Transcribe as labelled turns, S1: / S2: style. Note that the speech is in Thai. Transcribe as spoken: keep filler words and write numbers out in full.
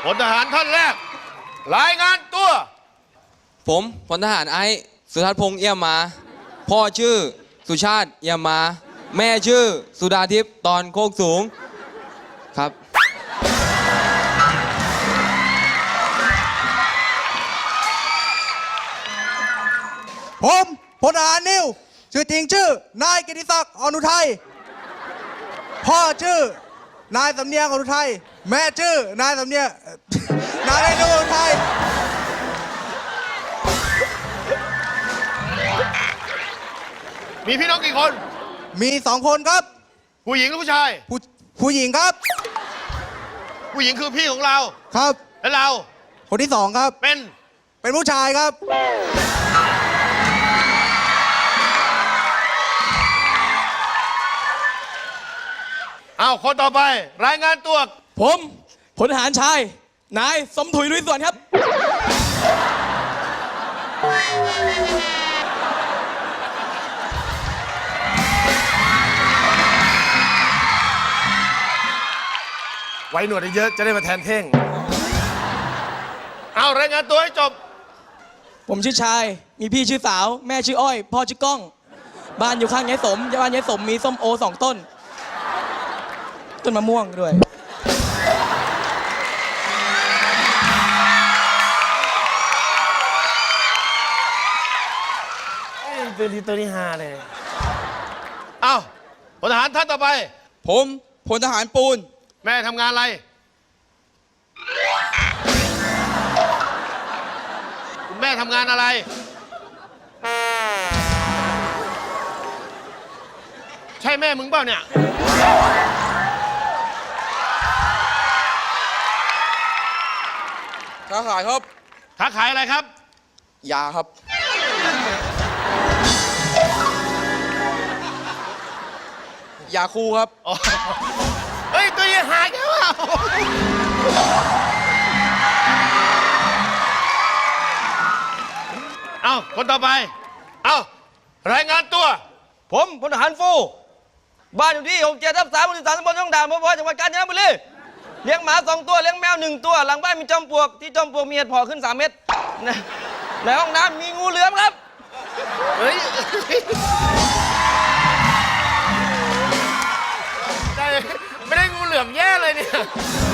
S1: พลทหารท่านแรกรายงานตัว
S2: ผมพลทหารไอซ์สุทัศน์พงษ์เอี่ยมมาพ่อชื่อสุชาติเอี่ยมมาแม่ชื่อสุดาทิพย์ตอนโคกสูงครับ
S3: ผมพลทหารนิวชื่อจริงชื่อนายกิติศักดิ์อนุทัยพ่อชื่อนายสำเนียงอนุทัยแม่ชื่อนายสำเนียงนายเรนูอนุทัย
S1: มีพี่น้องกี่คน
S3: มีสองคนครับ
S1: ผู้หญิงหรือผู้ชาย
S3: ผู้ผู้หญิงครับ
S1: ผู้หญิงคือพี่ของเรา
S3: ครับ
S1: และเรา
S3: คนที่สองครับ
S1: เป็น
S3: เป็นผู้ชายครับ
S1: เอาคนต่อไปรายงานตัว
S4: ผมพลทหารชายนายสมถุยลุยสวนครับ
S1: ไว้หนวดเยอะจะได้มาแทนเท่งเอารายงานตัวให้จบ
S4: ผมชื่อชายมีพี่ชื่อสาวแม่ชื่ออ้อยพ่อชื่อก้องบ้านอยู่ข้างยายสมบ้านยายสมมีส้มโอสองต้นต้นมะม่วงด้วย
S1: ตัวนี้ตัวนี้ฮาเลยเอาพลทหารท่านต่อไป
S2: ผมพลทหารปูน
S1: แม่ทำงานอะไรคุณแม่ทำงานอะไรใช่แม่มึงเปล่าเนี่ย
S2: ค้าขายครับ
S1: ค้าขายอะไรครับ
S2: ยาครับยาคูครับ
S1: เฮ้ยตัวยังหายกันวะเอาคนต่อไปเอารายงานตัว
S5: ผมพลทหารฟูบ้านอยู่ที่หกเจ็ดทับสามหมู่สิบสามตำบลช่องด่านพบจังหวัดกาญจนบุรีเลี้ยงหมาสองตัวเลี้ยงแมวหนึ่งตัวหลังบ้านมีจอมปลวกที่จอมปลวกมีเห็ดเพาะขึ้นสามเมตรในห้องน้ำมีงูเหลือมครับ
S1: เฮ้ยไม่ได้งูเหลือมแย่เลยเนี่ย